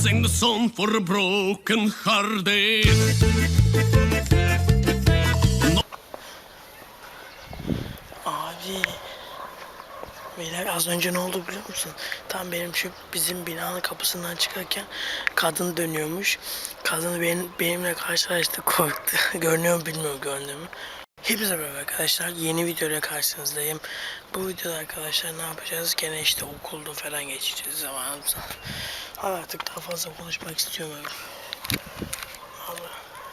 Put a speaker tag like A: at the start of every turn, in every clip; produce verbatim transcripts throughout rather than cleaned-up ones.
A: sing the song for a broken hearted.
B: Abi. Beyler az önce ne oldu biliyor musun? Tam benim şu bizim binanın kapısından çıkarken kadın dönüyormuş. Kadın benim, benimle karşılaştı, korktu. Görünüyor mu bilmiyorum, gördüğümü. Hepinize merhaba arkadaşlar. Yeni videoyla karşınızdayım. Bu videoda arkadaşlar ne yapacağız? Gene işte okulda falan geçeceğiz zamanımızda. Hadi artık daha fazla konuşmak istemiyorum. Allah.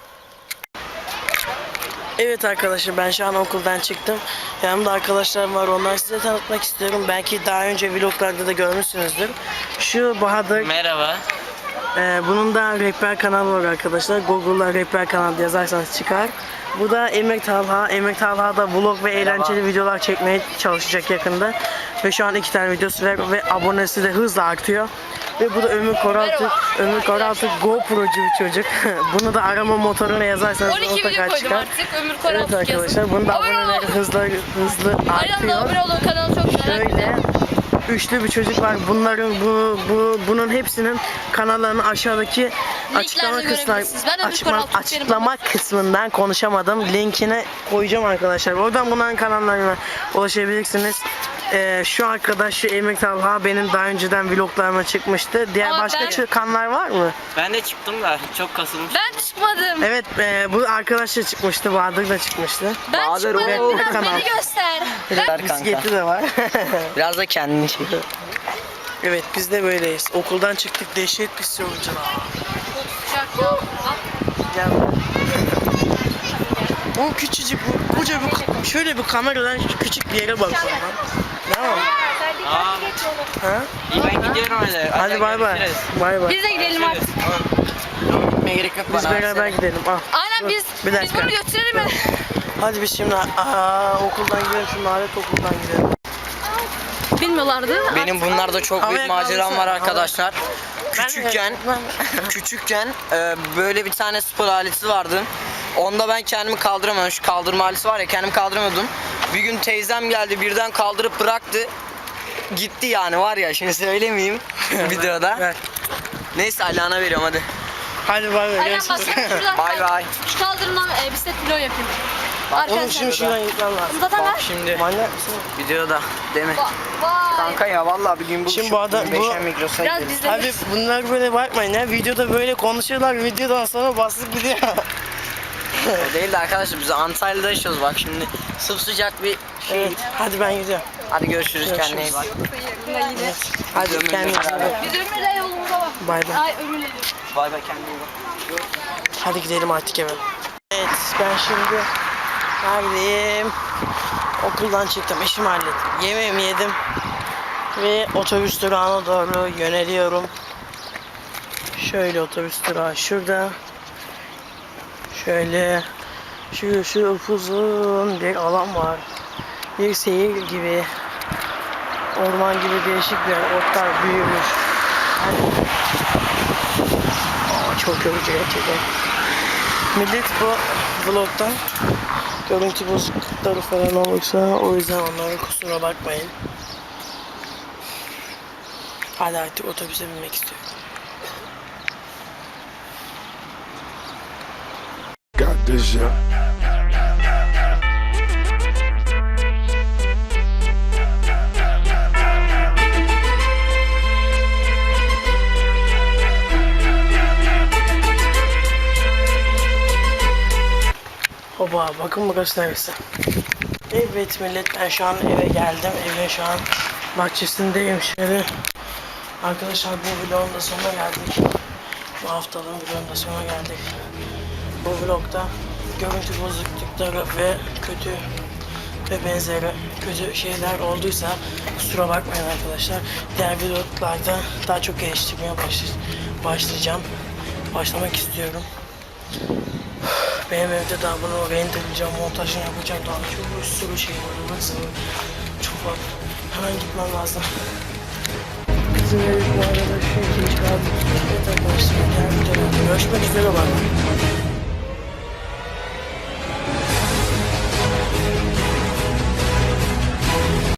B: Evet arkadaşlar, ben şu an okuldan çıktım. Yanımda arkadaşlarım var, onları size tanıtmak istiyorum. Belki daha önce vloglarda da görmüşsünüzdür. Şu Bahadır.
C: Merhaba.
B: Ee, bunun da rehber kanalı var arkadaşlar. Google'da rehber kanalı yazarsanız çıkar. Bu da Emre Talha. Emre Talha da vlog ve eğlenceli videolar çekmeye çalışacak yakında. Ve şu an iki tane videosu var ve abonesi de hızla artıyor. Ve bu da Ömür Koraltı. Ömür Koraltı GoPro'cu bir çocuk. Bunu da arama motoruna yazarsanız mutlaka çıkar. Artık, Ömür evet arkadaşlar, bunun da aboneleri hızlı hızlı artıyor.
D: Abone olun, kanalı çok güzel.
B: Şöyle üçlü bir çocuk var. Bunların bu, bu bunun hepsinin kanallarını aşağıdaki açıklama kısmından açıklama, açıklama kısmından konuşamadım. Linkini koyacağım arkadaşlar. Oradan bunların kanallarına ulaşabilirsiniz. Ee, şu arkadaş, şu Emre Talha, benim daha önceden vloglarıma çıkmıştı. Diğer
D: Ama
B: başka
D: ben...
B: çıkanlar var mı?
C: Ben de çıktım da çok kasılmış.
D: Ben çıkmadım.
B: Evet, e, bu arkadaş da çıkmıştı. Bahadır da çıkmıştı.
D: Ben
C: Bahadır
D: çıkmadım.
B: o
D: Biraz
B: kanal.
D: beni göster.
B: Evet, bisikleti de var.
C: Biraz da kendini çek.
B: Evet, biz de böyleyiz. Okuldan çıktık, dehşet pis yolcular.
D: Sıcak ya.
B: Gel. O küçücük, bu koca bir, şöyle bir kameradan küçük bir yere bakıyorum lan. Tamam.
C: Aa,
B: Ha?
C: iyi ben gidiyorum öyle.
B: Hadi bay bay. Bay bay.
D: Biz de gidelim artık.
C: Gitmeye gerek yok
B: Biz
C: bana.
B: beraber gidelim. Al.
D: Aynen, biz
B: Bir
D: biz
B: dakika.
D: bunu götürelim mi?
B: Hadi biz şimdi aa, okuldan gidelim, şu nalet okuldan gidelim.
D: Bilmiyorlardı.
C: Benim bunlarda çok büyük
B: Havaya
C: maceram var
B: kaldırsana,
C: arkadaşlar. Küçükken, küçükken e, böyle bir tane spor aleti vardı. Onda ben kendimi kaldıramıyorum. Şu kaldırma aleti var ya, kendimi kaldıramıyordum. Bir gün teyzem geldi, birden kaldırıp bıraktı. Gitti yani, var ya, şimdi söylemeyeyim videoda.
B: Ver.
C: Neyse, Alihan'a veriyorum hadi.
B: Hadi bay bay.
D: Aynen, bak
B: Görüşürüz.
D: sen şuradan
C: Bay bay.
D: şu kaldırımdan e, bisiklet vlog yapayım.
B: Oğlum şimdi şuradan gitmem lazım.
D: Zaten
C: Bak
D: ben...
C: şimdi
B: Manyak mısın?
C: videoda değil mi?
D: Vay.
C: Kanka ya vallahi bir gün bu
B: Şimdi bu adam- bu-
D: Biraz bizde.
B: Abi bunlar böyle bakmayın ya. Videoda böyle konuşuyorlar. Videodan sonra basıp gidiyor.
C: O değil de arkadaşlar, biz Antalya'da yaşıyoruz bak şimdi. Sıcak bir şey.
B: Evet. Hadi ben gidiyorum.
C: Hadi görüşürüz,
B: Görüşürüz.
C: kendine iyi bak.
B: Hadi
C: Ömürle
B: kendinize iyi
C: beraber.
B: bakın.
D: Biz Ömür'le yolumuza bak.
B: Bay bay.
D: Ay Ömür'le.
C: Bay bay, kendine iyi bak.
B: Hadi gidelim artık eve. Evet, ben şimdi neredeyim? Okuldan çıktım, işimi hallettim. Yemeğimi yedim ve otobüs durağına doğru yöneliyorum. Şöyle otobüs durağı şurada. Şöyle şu şu uzun bir alan var. Bir seyir gibi, orman gibi değişik bir yer. Otlar büyümüş. Aa, çok yorucu gerçekten. Millet bu vlogdan görüntü bozuklukları falan olursa, o yüzden onlara kusura bakmayın. Hadi artık otobüse binmek istiyorum.
E: Got this shit.
B: Oba, bakın burası neresi. Evet millet, ben şu an eve geldim. Evin şu an bahçesindeyim şöyle. Arkadaşlar, bu vlogun da sonuna geldik. Bu haftalığın vlogun da sonuna geldik. Bu vlogda görüntü bozuklukları ve kötü ve benzeri kötü şeyler olduysa kusura bakmayın arkadaşlar. Diğer vloglarda daha çok geliştirmeye başlayacağım. Başlamak istiyorum. Benim evde daha bunu renderleyeceğim, montajını yapacağım, daha çok bir sürü şey var. Nasıl? Çok var. Hemen gitmem lazım. Bizim ev bu arada şu ikinci kaldı. Evet arkadaşlar, diğer videoda görüşmek üzere. Bak.